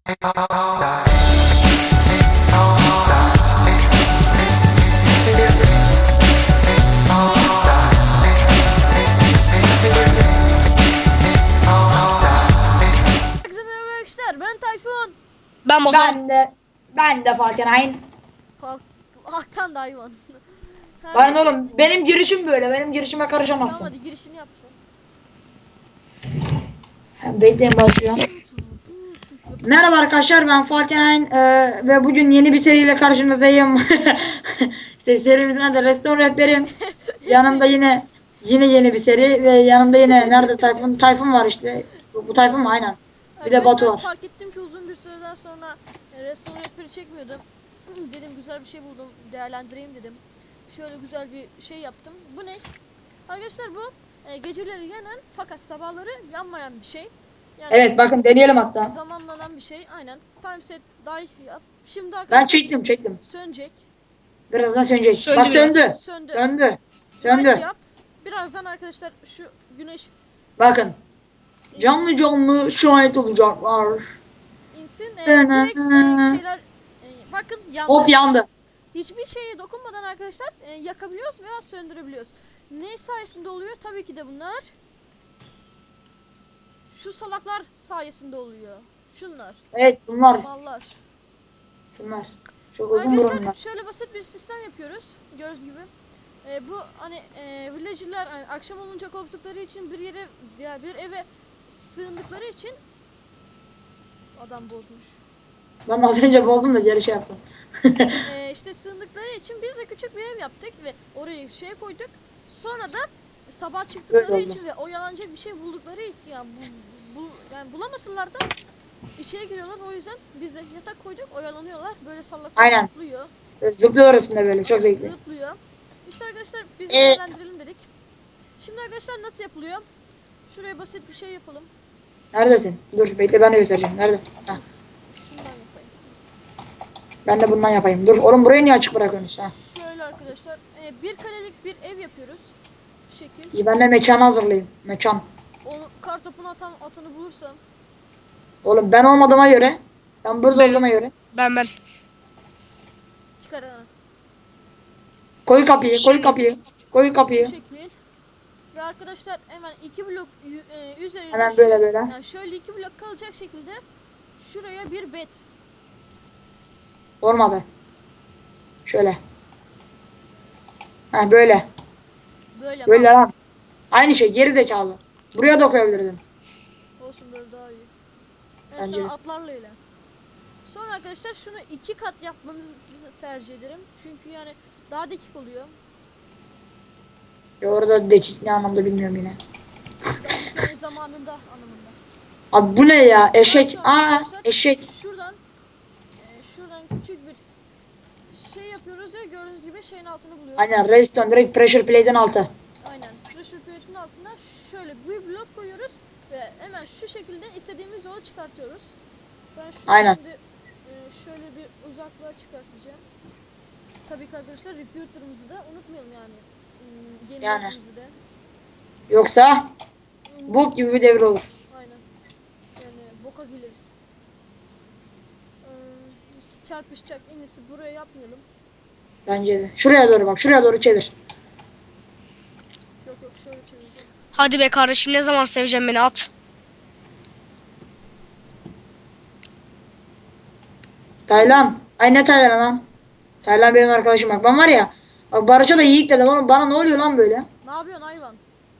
Ben Tayfun. Ben Volkan. Ben de Falkenhayn. Haktan da hayvan. Bana oğlum benim girişim böyle. Benim girişime karışamazsın. Tamam hadi girişini yap sen. Bekleyin başlıyorum. Merhaba arkadaşlar, ben Falkenhayn ve bugün yeni bir seriyle karşınızdayım. İşte serimizin adı Restoran Rehberim. Yanımda yine yeni bir seri ve yanımda yine nerede Tayfun var işte. Bu Tayfun mu? Aynen. Bir de Batu var. Fark ettim ki uzun bir süreden sonra restoran rehberi çekmiyordum. Dedim güzel bir şey buldum, değerlendireyim dedim. Şöyle güzel bir şey yaptım. Bu ne? Arkadaşlar bu geceleri yanan fakat sabahları yanmayan bir şey. Yani Evet, bakın deneyelim hatta. zamanlanan bir şey. Aynen. Timeset dahi yap. Şimdi Ben arkadaşlar çektim. sönecek. Birazdan sönecek. Söndü Bak mü? söndü. Söndü. Söndü. Light yap. Birazdan arkadaşlar şu güneş Bakın. Canlı şahit olacaklar. insin. Direkt şeyler bakın yandı. Hop yandı. Hiçbir şeye dokunmadan arkadaşlar yakabiliyoruz veya söndürebiliyoruz. Ne sayesinde oluyor? Tabii ki de bunlar şu salaklar sayesinde oluyor. Şunlar. Evet, bunlar. Mallar. Şunlar. Çok uzun Arkadaşlar burunlar. şöyle basit bir sistem yapıyoruz. Gördüğünüz gibi. Bu hani villager'lar hani akşam olunca korktukları için bir yere veya bir eve sığındıkları için adam bozmuş. Ben az önce bozdum da geri şey yaptım. İşte sığındıkları için biz de küçük bir ev yaptık ve oraya şey koyduk. Sonra da sabah çıktıkları Öyle oldu. için ve oyalanacak bir şey buldukları için yani, yani bulamasınlar da içeri giriyorlar. O yüzden biz de yatak koyduk, oyalanıyorlar. Böyle salaklar Aynen. zıplıyor. Zıplıyor arasında böyle, çok zevkli. Zıplıyor. İşte arkadaşlar biz de değerlendirelim dedik. Şimdi arkadaşlar nasıl yapılıyor? Şuraya basit bir şey yapalım. Neredesin? Dur bekle, ben de göstereceğim. Nerede? Heh. Şundan yapayım. Ben de bundan yapayım. Dur oğlum, burayı niye açık bırakıyorsun? Şöyle arkadaşlar bir karelik bir ev yapıyoruz. Bu şekil. İyi, ben de mekanı hazırlayayım. Mekan. Onu kartopunu atanı bulursam. Oğlum ben olmadığıma göre. Ben burada olduğuma göre. Ben. Çıkar ha. Koy kapıyı. Koy Bu kapıyı. şekil. Ve arkadaşlar hemen 2 blok üzerine Hemen böyle. yani şöyle 2 blok kalacak şekilde şuraya bir bed. Olmadı. Şöyle. Heh böyle. Böyle lan. Aynı şey, geri zekalı. Buraya da koyabilirdin. Olsun böyle daha iyi. Bence Sonra de. atlarla ile. Sonra arkadaşlar şunu 2 kat yapmanızı tercih ederim. Çünkü yani daha dakik oluyor. Ya orada dekik ne anlamda bilmiyorum yine. Yani zamanında anlamında. Abi bu ne ya? Eşek. Sonra Aa, arkadaşlar eşek. şuradan küçük bir şey yapıyoruz ya, gördüğünüz gibi şeyin altını buluyoruz. Aynen, redstone direkt pressure plate'in altı. Aynen. Pressure plate'in altına şöyle bir blok koyuyoruz ve hemen şu şekilde istediğimiz yolu çıkartıyoruz. Ben Aynen. şimdi şöyle bir uzaklığa çıkartacağım. Tabii ki arkadaşlar repeater'ımızı da unutmayalım yani. Yeni Yani. yerimizi de. Yoksa bok gibi bir devir olur. Aynen. Yani boka geliriz. Çarpışacak, en iyisi buraya yapmayalım. Bence de. Şuraya doğru bak. Şuraya doğru çevir. Yok şöyle çevireceğim. Hadi be kardeşim, ne zaman seveceğim beni, at. Taylan. Ay ne Taylan lan? Taylan benim arkadaşım bak. Ben var ya. Bak Barış'a da yiğit dedim oğlum. Bana ne oluyor lan böyle? Ne yapıyorsun hayvan?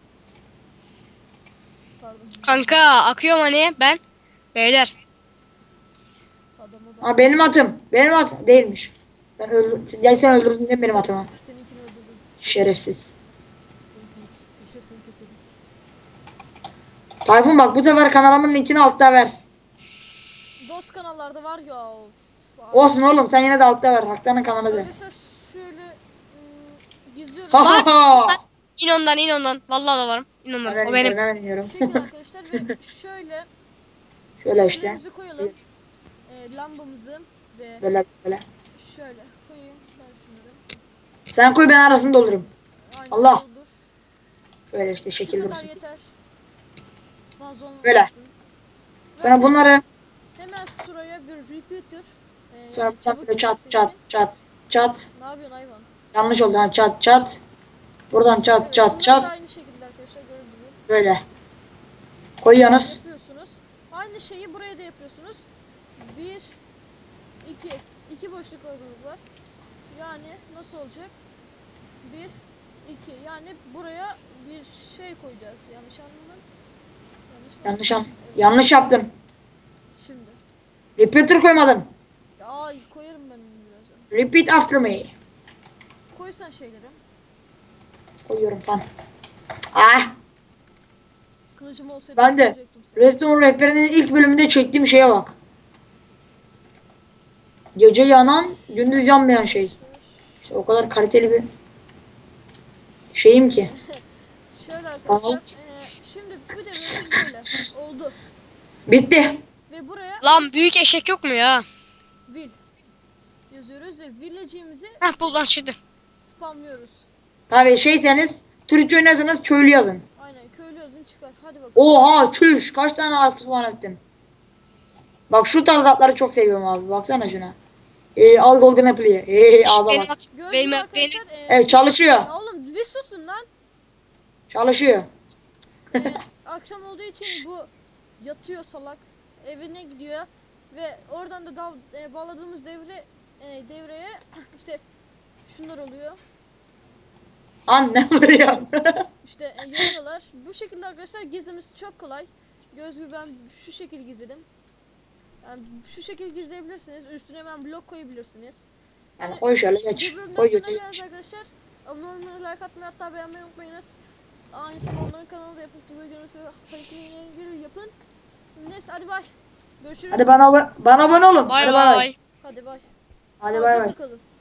Pardon. Kanka akıyorum hani ben. Beyler. Adamı bak. Aa, benim atım. Benim at değilmiş. Ben öldüm. Ya sen öldürdün değil mi benim atımı? Seninkini öldürdüm. Şerefsiz. Yaşasın kötülük. Tayfun bak, bu sefer kanalımın linkini altta ver. Dost kanallarda var ya. Of. Olsun oğlum, sen yine de altta ver. Haktan'ın kanalı de. Arkadaşlar şöyle gizliyorum. Ha ha ha. İn ondan. Vallahi da varım. İn ondan. Hemen O benim. iniyorum, hemen iniyorum. Çekin arkadaşlar ve şöyle Şöyle işte. şeylerimizi koyalım. Lambamızı ve Böyle. şöyle koyayım ben şunları. Sen koy, ben arasını doldururum. Aynen Allah. doldur. Şöyle işte Şu şekil kadar dursun. yeter. Fazla olmasın. Böyle. Ve Sonra bunları hemen şuraya repeater. Sonra buradan çabuk böyle çat gitmesi çat için. çat çat. Ne yapıyorsun hayvan? Yanlış oldu. Ha, çat çat. Buradan çat Evet, çat bunlar da çat. aynı şekilde arkadaşlar gördüğünüz gibi. Böyle. Koyuyorsunuz. Yapıyorsunuz. Aynı şeyi buraya da yapıyorsunuz. 1 2 2 boşluk aralık var. Yani nasıl olacak? 1 2 yani buraya bir şey koyacağız. Yanlış anlamadım. Yanlış yaptın. Şimdi. Repeater koymadın. Ay koyarım ben onu birazdan. Repeat after me. Koysan şeyleri. Koyuyorum sana. Ah. Kılıcım olsaydı Ben de koyacaktım sana. Restore rehberinin ilk bölümünde çektiğim şeye bak. Gece yanan, gündüz yanmayan şey. İşte o kadar kaliteli bir şeyim ki. Şöyle arkadaşlar. Tamam. Şimdi bu devremiz böyle oldu. Bitti. Ve buraya Lan büyük eşek yok mu ya? will yazıyoruz ve village'imizi Heh buradan çıktı. spamlıyoruz. Tabii şeyseniz Türkçe oynarsanız köylü yazın. Aynen köylü yazın çıkar. Hadi bakalım. Oha çüş kaç tane asıl falan ettin. Bak şu tarz atları çok seviyorum abi. Baksana şuna. Al golden apple'yi. Ağza Beni bak. at. Gördüğünüz Benim, arkadaşlar. Evet çalışıyor. Ya oğlum bir susun lan. Çalışıyor. Akşam olduğu için bu yatıyor salak. Evine gidiyor ve oradan da bağladığımız devreye işte şunlar oluyor. Anne vuruyor. İşte yanıyorlar. Bu şekilde arkadaşlar gizlemesi çok kolay. Göz gibi ben şu şekil gizledim. Yani şu şekil gizleyebilirsiniz. Üstüne hemen blok koyabilirsiniz. Yani koy şöyle geç. Bir bölümden Koy sonra götür geliriz geç. arkadaşlar. Abone olmayı, like atmayı, hatta beğenmeyi unutmayınız. Aynısını onların kanalında yapın. Tübe görüntüsü ve yapın. Neyse hadi bay. Görüşürüz. Hadi bana abone olun. Bay Hadi bay bay. bay. Hadi bay. Hadi bay bay. Sağlıcakla kalın.